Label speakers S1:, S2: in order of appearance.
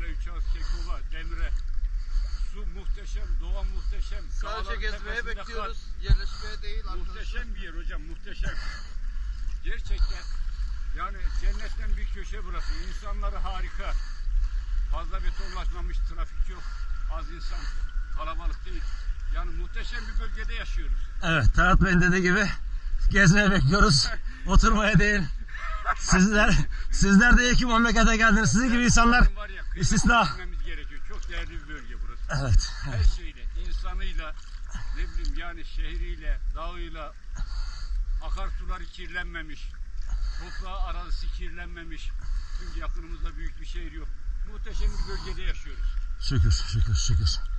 S1: Kırklareli, Üçağız, Kekova, Demre. Su muhteşem, doğa muhteşem.
S2: Sadece gezmeye
S1: tepesinde
S2: bekliyoruz. Yerleşmeye değil arkadaşlar.
S1: Muhteşem bir yer hocam, muhteşem. Gerçekten yani cennetten bir köşe burası. İnsanları harika. Fazla betonlaşmamış, trafik yok. Az insan, kalabalık değil. Yani muhteşem bir bölgede yaşıyoruz.
S3: Evet, Talat Bey'in dediği gibi gezmeye bekliyoruz. Oturmaya değil. Sizler de iyi ki memlekete geldiniz. Sizin gibi insanlar istisna.
S1: Gerekiyor. Çok değerli bir bölge burası.
S3: Evet.
S1: Her şeyle, insanıyla, ne bileyim yani şehriyle, dağıyla, akarsuları kirlenmemiş, toprağı, arazisi kirlenmemiş. Çünkü yakınımızda büyük bir şehir yok. Muhteşem bir bölgede yaşıyoruz.
S3: Şükür, şükür, şükür.